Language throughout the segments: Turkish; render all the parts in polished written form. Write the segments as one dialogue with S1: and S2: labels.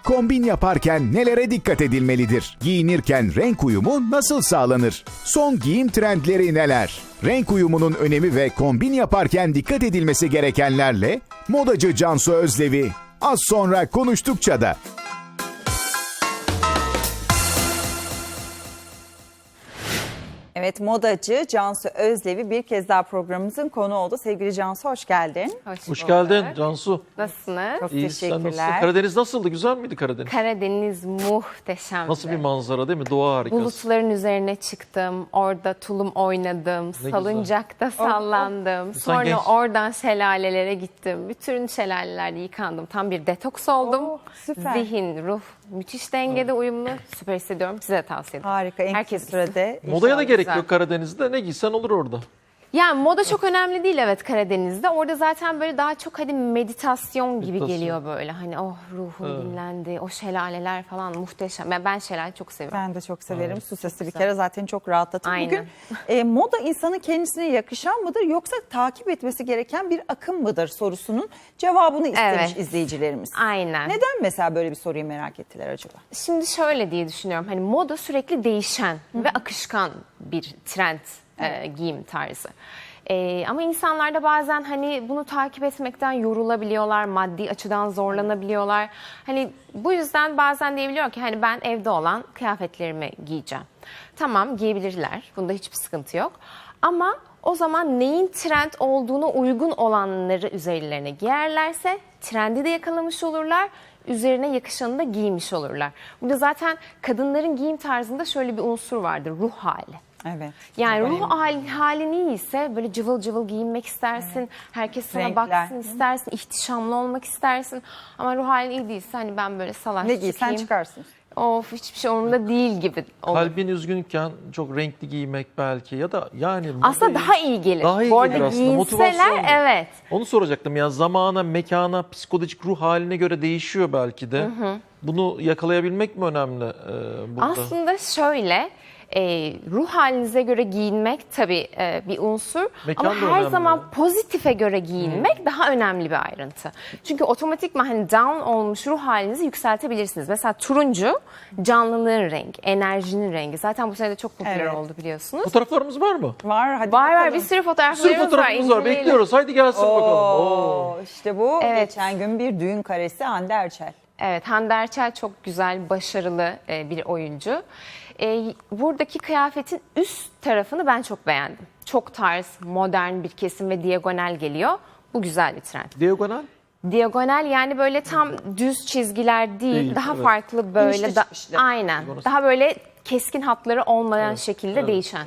S1: Kombin yaparken nelere dikkat edilmelidir? Giyinirken renk uyumu nasıl sağlanır? Son giyim trendleri neler? Renk uyumunun önemi ve kombin yaparken dikkat edilmesi gerekenlerle modacı Cansu Özlevi az sonra konuştukça da.
S2: Evet, modacı Cansu Özlevi bir kez daha programımızın konu oldu. Sevgili Cansu, hoş geldin.
S3: Hoş geldin Cansu.
S4: Nasılsınız?
S2: Çok
S3: İyi, sen
S2: teşekkürler.
S3: nasılsın? Karadeniz nasıldı? Güzel miydi Karadeniz?
S4: Karadeniz muhteşemdi.
S3: Nasıl bir manzara değil mi? Doğa harikası.
S4: Bulutların üzerine çıktım. Orada tulum oynadım.
S3: güzel.
S4: Salıncakta sallandım. Sonra
S3: genç.
S4: oradan şelalelere gittim. Bütün şelalelerde yıkandım. Tam bir detoks oldum.
S2: Süper.
S4: Zihin, ruh müthiş dengede uyumlu. Süper hissediyorum. Size de tavsiye ederim.
S2: Harika, en kısa
S4: Herkes
S2: sürede.
S3: Modaya da gerek
S4: güzel.
S3: yok Karadeniz'de. Ne giysen olur orada.
S4: Yani moda çok önemli değil evet Karadeniz'de. Orada zaten böyle daha çok hadi meditasyon gibi geliyor böyle. Hani oh ruhum dinlendi. O şelaleler falan muhteşem. Ben şelale çok seviyorum.
S2: Ben de çok severim. Su sesi bir kere zaten çok rahatlatır.
S4: Aynen.
S2: Bugün moda insanın kendisine yakışan mıdır yoksa takip etmesi gereken bir akım mıdır sorusunun cevabını istemiş
S4: Evet.
S2: izleyicilerimiz.
S4: Aynen.
S2: Neden mesela böyle bir soruyu merak ettiler acaba?
S4: Şimdi şöyle diye düşünüyorum. Hani moda sürekli değişen ve akışkan bir trend giyim tarzı. Ama insanlar da bazen hani bunu takip etmekten yorulabiliyorlar, maddi açıdan zorlanabiliyorlar. Hani bu yüzden bazen diyebiliyor ki hani ben evde olan kıyafetlerimi giyeceğim. Tamam giyebilirler. Bunda hiçbir sıkıntı yok. Ama o zaman neyin trend olduğuna uygun olanları üzerlerine giyerlerse trendi de yakalamış olurlar. Üzerine yakışanı da giymiş olurlar. Burada zaten kadınların giyim tarzında şöyle bir unsur vardır. Ruh hali.
S2: Evet.
S4: Yani ruh halin iyiyse böyle cıvıl cıvıl giyinmek istersin. Evet. Herkes sana
S2: Renkler.
S4: baksın istersin. İhtişamlı olmak istersin. Ama ruh halin iyi değilse hani ben böyle salaş
S2: Ne giysen
S4: çıkayım.
S2: çıkarsın.
S4: Of hiçbir şey umurumda değil gibi olur.
S3: Kalbin üzgünken çok renkli giymek belki ya da yani
S4: Aslında
S3: modayı-
S4: daha iyi gelir.
S3: Daha iyi
S4: Bu arada
S3: gelir aslında. Motivasyon.
S4: giyinseler evet.
S3: Onu soracaktım ya, zamana, mekana, psikolojik ruh haline göre değişiyor belki de. Bunu yakalayabilmek mi önemli burada?
S4: Aslında şöyle ruh halinize göre giyinmek tabii bir unsur.
S3: Mekan
S4: ama
S3: da
S4: her
S3: önemli.
S4: zaman pozitife göre giyinmek daha önemli bir ayrıntı. Çünkü otomatikman hani down olmuş ruh halinizi yükseltebilirsiniz. Mesela turuncu canlılığın rengi, enerjinin rengi. Zaten bu sene de çok popüler
S2: Evet.
S4: oldu biliyorsunuz.
S3: Fotoğraflarımız var mı?
S2: Var hadi
S4: Var
S2: bakalım.
S4: bir sürü
S3: Bir
S4: fotoğraflarımız
S3: sürü fotoğrafımız var.
S4: inceleyelim.
S3: Bekliyoruz. Haydi gelsin bakalım. Oo.
S2: İşte bu
S4: Evet.
S2: geçen gün bir düğün karesi Hande Erçel.
S4: Evet, Hande Erçel çok güzel, başarılı bir oyuncu. Buradaki kıyafetin üst tarafını ben çok beğendim. Çok tarz, modern bir kesim ve diagonal geliyor. Bu güzel bir trend.
S3: Diagonal.
S4: Diagonal yani böyle tam düz çizgiler değil, daha
S3: evet.
S4: farklı böyle.
S2: İnişli çıkışlı.
S4: Aynen, daha böyle keskin hatları olmayan şekilde değişen.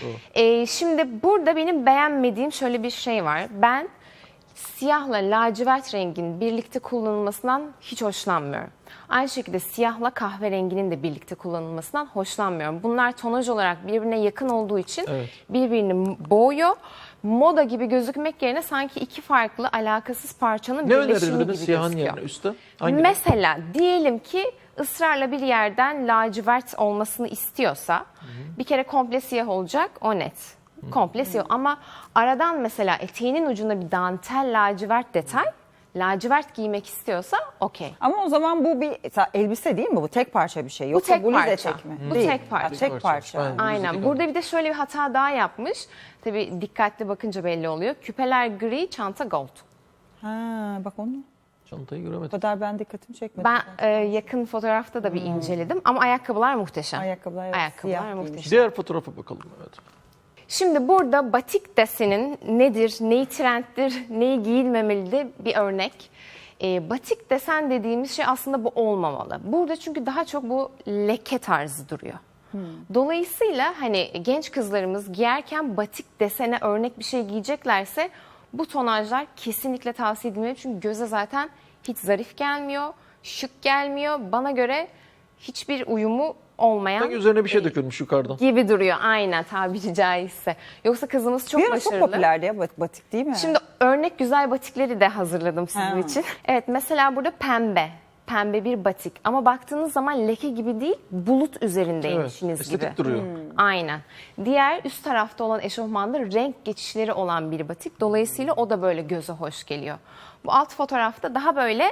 S4: Şimdi burada benim beğenmediğim şöyle bir şey var. Ben siyahla lacivert rengin birlikte kullanılmasından hiç hoşlanmıyorum. Aynı şekilde siyahla kahverenginin de birlikte kullanılmasından hoşlanmıyorum. Bunlar tonaj olarak birbirine yakın olduğu için birbirini boğuyor. Moda gibi gözükmek yerine sanki iki farklı alakasız parçanın
S3: Ne
S4: birleşimi
S3: önerirdin
S4: gibi
S3: siyahın
S4: gözüküyor.
S3: yerine üstte? Hangi?
S4: Mesela diyelim ki ısrarla bir yerden lacivert olmasını istiyorsa bir kere komple siyah olacak o net. Komple siyah ama aradan mesela eteğinin ucunda bir dantel lacivert detay lacivert giymek istiyorsa okey.
S2: Ama o zaman bu bir elbise değil mi? Bu tek parça bir şey. Yoksa
S4: tek
S2: bluz
S4: parça.
S2: etek mi?
S4: Bu
S2: Değil.
S4: tek parça.
S2: Tek parça.
S3: Ben-
S4: Aynen.
S3: Bizdeki
S4: Burada bir de şöyle bir hata daha yapmış. Tabii dikkatli bakınca belli oluyor. Küpeler gri, çanta gold.
S2: Ha, bak onu.
S3: Çantayı
S2: O
S3: göremedim.
S2: kadar ben dikkatimi çekmedi.
S4: Ben yakın fotoğrafta da bir inceledim ama ayakkabılar muhteşem.
S2: Ayakkabılar, evet,
S4: Ayakkabılar
S2: siyah
S4: muhteşem.
S3: Diğer fotoğrafa bakalım. Evet.
S4: Şimdi burada batik desenin nedir, neyi trenddir, neyi giyilmemelidir bir örnek. Batik desen dediğimiz şey aslında bu olmamalı. Burada çünkü daha çok bu leke tarzı duruyor. Dolayısıyla hani genç kızlarımız giyerken batik desene örnek bir şey giyeceklerse bu tonajlar kesinlikle tavsiye edilmeli. Çünkü göze zaten hiç zarif gelmiyor, şık gelmiyor. Bana göre hiçbir uyumu olmayan
S3: Sanki üzerine bir şey dökülmüş yukarıdan.
S4: gibi duruyor aynen tabiri caizse. Yoksa kızımız çok
S2: Bir ara
S4: başarılı.
S2: çok popülerdi ya batik değil mi?
S4: Şimdi örnek güzel batikleri de hazırladım sizin
S2: Ha.
S4: için. Evet mesela burada pembe. Pembe bir batik ama baktığınız zaman leke gibi değil bulut üzerindeymişsiniz
S3: Evet,
S4: gibi.
S3: estetik duruyor.
S4: Aynen. Diğer üst tarafta olan eşofmanda renk geçişleri olan bir batik. Dolayısıyla o da böyle göze hoş geliyor. Bu alt fotoğrafta daha böyle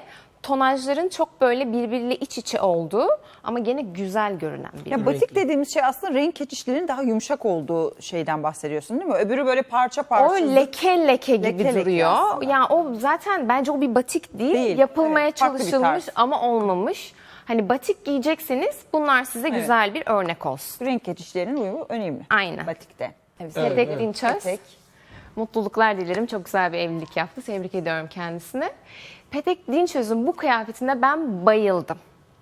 S4: tonajların çok böyle birbiriyle iç içe olduğu ama gene güzel görünen bir
S2: Ya
S4: ürün.
S2: batik dediğimiz şey aslında renk geçişlerinin daha yumuşak olduğu şeyden bahsediyorsun değil mi? Öbürü böyle parça parça.
S4: O leke leke gibi
S2: Leke leke
S4: duruyor.
S2: aslında.
S4: Yani o zaten bence o bir batik değil.
S2: Değil,
S4: Yapılmaya
S2: evet, farklı bir
S4: çalışılmış
S2: tarz.
S4: ama olmamış. Hani batik giyecekseniz bunlar size güzel bir örnek olsun.
S2: Renk geçişlerinin uyumu önemli.
S4: Aynen.
S2: Batikte.
S4: Petek Dinçöz.
S2: Petek.
S4: Mutluluklar dilerim. Çok güzel bir evlilik yaptı. Tebrik ediyorum kendisini. Petek Dinçöz'ün bu kıyafetine ben bayıldım.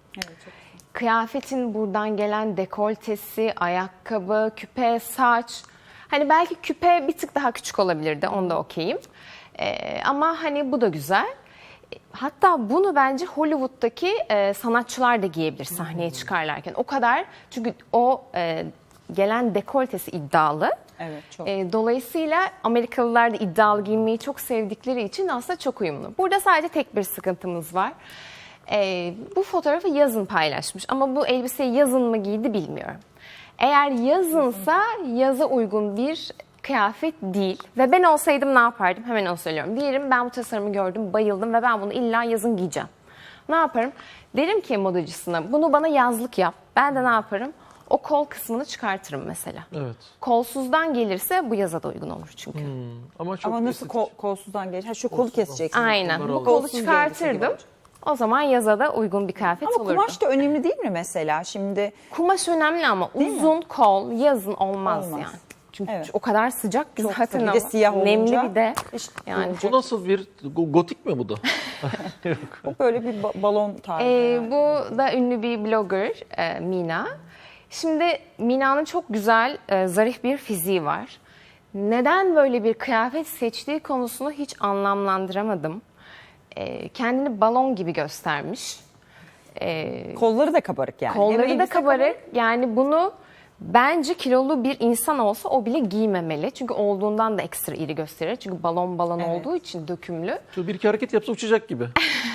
S4: Kıyafetin buradan gelen dekoltesi, ayakkabı, küpe, saç. Hani belki küpe bir tık daha küçük olabilirdi. Onda okeyim. Ama hani bu da güzel. Hatta bunu bence Hollywood'daki sanatçılar da giyebilir sahneye çıkarlarken. O kadar çünkü o gelen dekoltesi iddialı.
S2: Evet, çok.
S4: Dolayısıyla Amerikalılar da iddialı giyinmeyi çok sevdikleri için aslında çok uyumlu. Burada sadece tek bir sıkıntımız var. Bu fotoğrafı yazın paylaşmış ama bu elbiseyi yazın mı giydi bilmiyorum. Eğer yazınsa yaza uygun bir kıyafet değil. Ve ben olsaydım ne yapardım? Hemen onu söylüyorum. Diyelim ben bu tasarımı gördüm, bayıldım ve ben bunu illa yazın giyeceğim. Ne yaparım? Derim ki modacısına bunu bana yazlık yap. Ben de ne yaparım? O kol kısmını çıkartırım mesela.
S3: Evet.
S4: Kolsuzdan gelirse bu yaza da uygun olur çünkü.
S3: Ama çok
S2: Ama nasıl
S3: estetik.
S2: kolsuzdan gelir? Ha şu kolu keseceksin.
S4: Aynen.
S3: Bunları
S4: Bu
S3: alalım.
S4: kolu
S2: Kolsuz bir elbise gibi
S4: çıkartırdım.
S2: olacak.
S4: O zaman yaza da uygun bir kıyafet
S2: Ama
S4: olurdu.
S2: kumaş da önemli değil mi mesela? Şimdi
S4: Kumaş önemli ama uzun kol yazın olmaz,
S2: Olmaz.
S4: yani. Çünkü
S2: Evet.
S4: o kadar sıcak ki
S2: Çok
S4: zaten
S2: bir de
S4: ama
S2: siyah
S4: nemli
S2: olunca
S4: bir de
S2: işte
S4: yani.
S3: Bu nasıl bir gotik mi bu da?
S2: böyle bir balon tarzı.
S4: Bu da ünlü bir blogger Mina. Şimdi Mina'nın çok güzel, zarif bir fiziği var. Neden böyle bir kıyafet seçtiği konusunu hiç anlamlandıramadım. Kendini balon gibi göstermiş.
S2: Kolları da kabarık yani. Hem
S4: Kolları da
S2: elbise
S4: kabarık. Yani bunu bence kilolu bir insan olsa o bile giymemeli. Çünkü olduğundan da ekstra iri gösterir. Çünkü balon
S2: Evet.
S4: olduğu için dökümlü.
S3: Şöyle bir iki hareket yapsa uçacak gibi.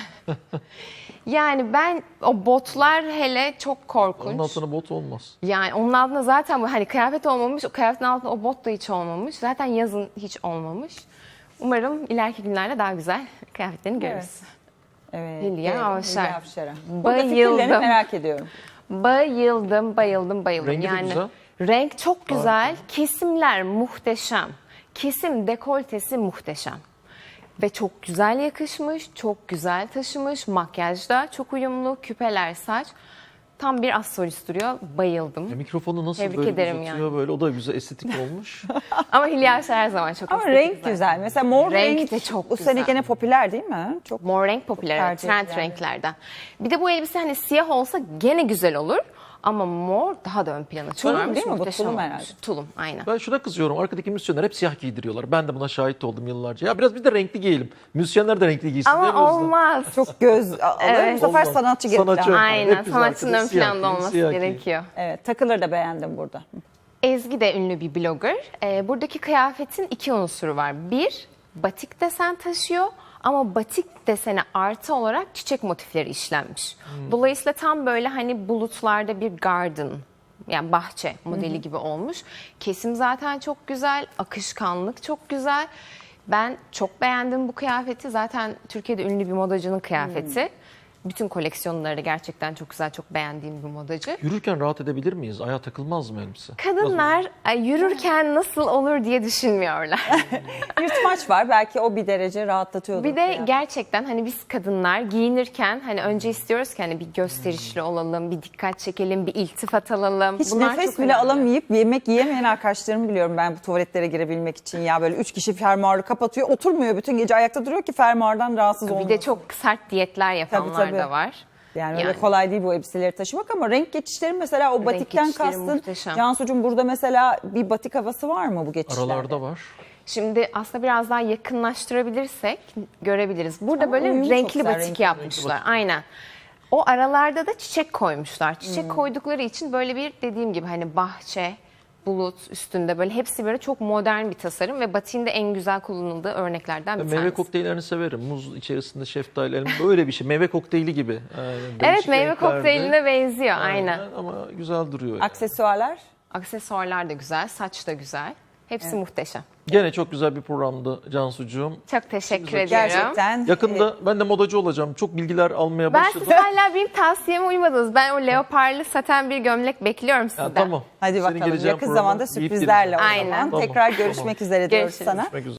S4: Yani ben o botlar hele çok korkunç.
S3: Onun altına bot olmaz.
S4: Yani onun altında zaten bu hani kıyafet olmamış, o kıyafetin altında o bot da hiç olmamış. Zaten yazın hiç olmamış. Umarım ileriki günlerde daha güzel kıyafetlerini görürüz.
S2: Evet.
S4: Hülya
S2: evet,
S4: Avşar.
S2: Hülya Avşar'a. Burada
S4: Bayıldım.
S2: fikirlerini merak ediyorum.
S4: Bayıldım.
S3: Rengi de
S4: yani
S3: güzel.
S4: renk çok güzel. Kesimler muhteşem. Kesim dekoltesi muhteşem. Ve çok güzel yakışmış, çok güzel taşımış. Makyajda çok uyumlu, küpeler, saç. Tam bir astrolist duruyor. Bayıldım.
S3: Mikrofonu nasıl
S4: Tebrik
S3: böyle
S4: ederim
S3: uzatıyor
S4: yani.
S3: böyle. O da güzel estetik olmuş.
S4: Ama Hülya Avşar her zaman çok
S2: Ama
S4: estetik
S2: renk
S4: zaten.
S2: güzel. Mesela mor
S4: Renk
S2: renk,
S4: de çok
S2: bu
S4: güzel.
S2: sene gene popüler değil mi? Çok
S4: Mor renk popüler, evet,
S2: tercih
S4: trend
S2: edilen
S4: renklerden. Bir de bu elbise hani siyah olsa gene güzel olur. Ama mor daha da ön plana çıkarmış.
S2: değil mi bu?
S4: Muhteşem
S2: Tulum
S4: olmuş.
S2: herhalde.
S4: Tulum, aynen.
S3: Ben şuna kızıyorum. Arkadaki müzisyenler hep siyah giydiriyorlar. Ben de buna şahit oldum yıllarca. Ya biraz bir de renkli giyelim. Müzisyenler de renkli giysin diye
S4: Ama olmaz.
S2: çok göz alır.
S4: Evet.
S2: Bu sefer
S3: Olmaz.
S2: sanatçı gerekli.
S3: Sanatçı ön-
S4: Aynen,
S3: Hep biz
S4: sanatçının
S3: arkada
S4: ön
S3: siyah
S4: planda
S3: giyin,
S4: olması
S3: siyah giyin.
S4: gerekiyor.
S2: Evet, takıları da beğendim burada.
S4: Ezgi de ünlü bir blogger. Buradaki kıyafetin iki unsuru var. Bir, batik desen taşıyor ama batik desene artı olarak çiçek motifleri işlenmiş. Dolayısıyla tam böyle hani bulutlarda bir garden, yani bahçe modeli gibi olmuş. Kesim zaten çok güzel, akışkanlık çok güzel. Ben çok beğendim bu kıyafeti. Zaten Türkiye'de ünlü bir modacının kıyafeti. Bütün koleksiyonları gerçekten çok güzel, çok beğendiğim bir modacı.
S3: Yürürken rahat edebilir miyiz? Ayağa takılmaz mı elbise?
S4: Kadınlar yürürken nasıl olur diye düşünmüyorlar.
S2: Yırtmaç var. Belki o bir derece rahatlatıyordur.
S4: Bir de
S2: yani.
S4: gerçekten hani biz kadınlar giyinirken hani önce istiyoruz ki hani bir gösterişli olalım, bir dikkat çekelim, bir iltifat alalım.
S2: Hiç
S4: Bunlar
S2: nefes
S4: çok
S2: bile
S4: önemli.
S2: alamayıp yemek yiyemeyen arkadaşlarımı biliyorum ben bu tuvaletlere girebilmek için. Ya böyle 3 kişi fermuarı kapatıyor. Oturmuyor, bütün gece ayakta duruyor ki fermuardan rahatsız olmasın.
S4: Bir de çok sert diyetler yapanlar
S2: Tabii, tabii.
S4: da var.
S2: Yani öyle kolay değil bu elbiseleri taşımak ama renk geçişleri mesela o batikten
S4: geçişleri
S2: kastın.
S4: muhteşem.
S2: Cansucuğum burada mesela bir batik havası var mı bu geçişlerde?
S3: Aralarda var.
S4: Şimdi aslında biraz daha yakınlaştırabilirsek görebiliriz. Burada
S2: Ama
S4: böyle
S2: uyumu çok
S4: renkli
S2: güzel,
S4: batik
S2: renkli
S4: yapmışlar. Aynen. O aralarda da çiçek koymuşlar. Çiçek koydukları için böyle bir dediğim gibi hani bahçe, bulut üstünde böyle hepsi böyle çok modern bir tasarım ve batiğin de en güzel kullanıldığı örneklerden bir
S3: Ben
S4: tanesi.
S3: meyve kokteyllerini severim. Muz içerisinde şeftali, elma, böyle bir şey. Meyve kokteyli gibi.
S4: Evet,
S3: Değişik
S4: meyve
S3: renklerde.
S4: kokteyline benziyor aynen.
S3: Ama güzel duruyor. Yani.
S2: Aksesuarlar.
S4: Aksesuarlar da güzel, saç da güzel. Hepsi muhteşem.
S3: Gene çok güzel bir programdı Cansucuğum.
S4: Çok teşekkür ediyorum.
S2: Gerçekten.
S3: Yakında ben de modacı olacağım. Çok bilgiler almaya
S4: Ben
S3: başladım.
S4: siz hala benim tavsiyeme uymadınız. Ben o leoparlı saten bir gömlek bekliyorum sizden.
S3: Ya, tamam.
S2: Hadi
S3: Senin
S2: bakalım
S3: geleceğin
S2: yakın
S3: programa
S2: zamanda
S3: giyip
S2: sürprizlerle o
S3: geleceğim.
S2: zaman.
S4: Aynen.
S2: Tekrar
S3: Tamam.
S2: görüşmek üzere diyoruz
S4: Görüşürüz.
S2: sana.
S3: Görüşmek üzere.